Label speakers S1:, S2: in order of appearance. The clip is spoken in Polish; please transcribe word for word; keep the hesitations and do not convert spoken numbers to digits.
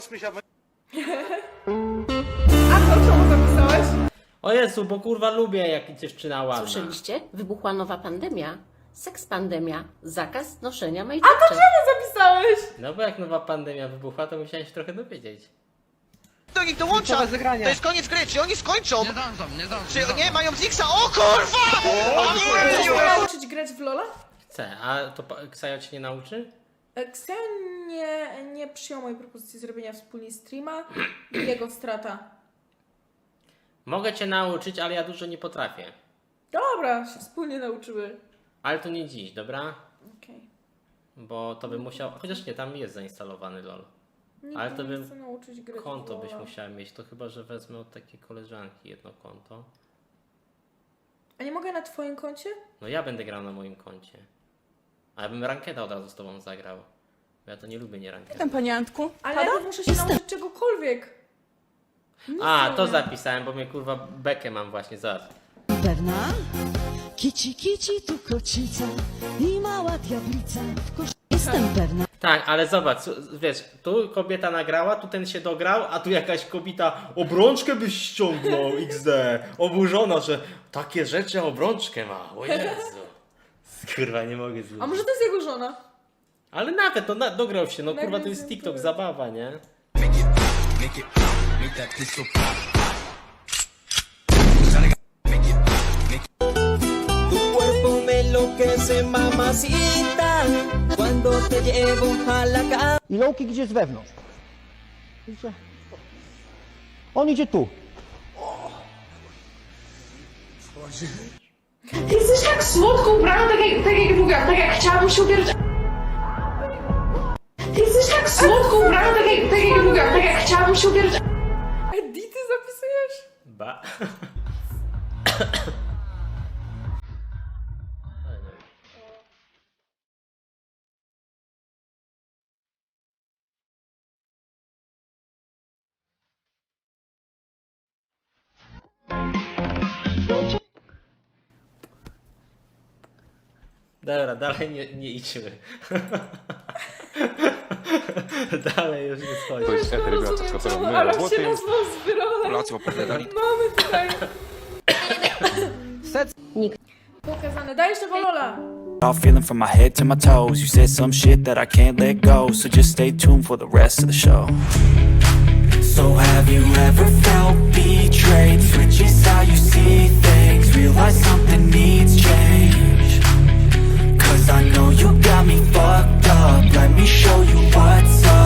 S1: A to czemu zapisałeś?
S2: O Jezu, bo kurwa lubię jak dziewczyna ładna.
S3: Słyszeliście? Wybuchła nowa pandemia. Seks pandemia. Zakaz noszenia
S1: A
S3: majteczek.
S1: to czemu zapisałeś?
S2: No bo jak nowa pandemia wybuchła, to musiałem się trochę dowiedzieć.
S4: Do nich dołącza! To jest koniec gry, czy oni skończą? Nie zdążą, nie zdążą. Czy nie, mają Zixa? O kurwa! O
S1: Chcesz
S4: nie!
S1: mnie nauczyć grać w Lola?
S2: Chcę, a to pa- Ksajo cię nie nauczy?
S1: Kseo nie, nie przyjął mojej propozycji zrobienia wspólnie streama i jego strata.
S2: Mogę cię nauczyć, ale ja dużo nie potrafię.
S1: Dobra, się wspólnie nauczyły.
S2: Ale to nie dziś, dobra?
S1: Okej.
S2: Bo to bym musiał... Chociaż nie, tam jest zainstalowany LOL.
S1: Nikt
S2: Ale
S1: mnie
S2: to
S1: nie
S2: bym
S1: chce nauczyć grać w
S2: Konto byś
S1: Lola.
S2: musiała mieć, to chyba, że wezmę od takiej koleżanki jedno konto.
S1: A nie mogę na twoim koncie?
S2: No ja będę grał na moim koncie. A ja bym rankeda od razu z tobą zagrał. Bo ja to nie lubię nie rankeda.
S5: Tam, panie Antku?
S1: Ale ja muszę się nauczyć czegokolwiek. Nic
S2: A,
S1: nie
S2: to
S1: umiem.
S2: zapisałem, bo mnie kurwa bekę mam właśnie, zaraz.
S6: Berna, kici kici tu kocica i mała diablica w kosz... Jestem Berna.
S2: Tak, ale zobacz, wiesz, tu kobieta nagrała, tu ten się dograł, a tu jakaś kobieta obrączkę byś ściągnął, iks de. Oburzona, że takie rzeczy obrączkę ma, o Jezu. Kurwa, nie mogę zlubić.
S1: A może to jest jego żona?
S2: Ale nawet, no na, dograł się, no kurwa, to
S1: Nagle
S2: jest
S1: się
S2: TikTok,
S1: tu-
S2: zabawa, nie?
S7: Tu cuerpo me enloquece, mamacita, cuando te llevo a la cama.
S8: I Lowki gdzie jest wewnątrz. Widzicie? On idzie tu.
S9: Ty jesteś tak słodką ubraną, tak jak, tak jak mówiłam, tak jak chciałabym się ubierać. Ty jesteś tak słodką ubraną, tak jak, tak jak mówiłam, tak jak chciałabym się ubierać.
S1: Edity zapisujesz?
S2: Ba. Dobra, dalej nie, nie idźmy. Dalej już nie schodzi.
S1: To jest rozumiem, czemu Arab się nazwał z Wyrolem. Mamy tutaj pokazane. Dajesz tego Lola.
S10: All feeling from my head to my toes. You said some shit that I can't let go, so just stay tuned for the rest of the show. So have you ever felt betrayed? Switches how you see things, realize something needs change. Cause I know you got me fucked up, let me show you what's up.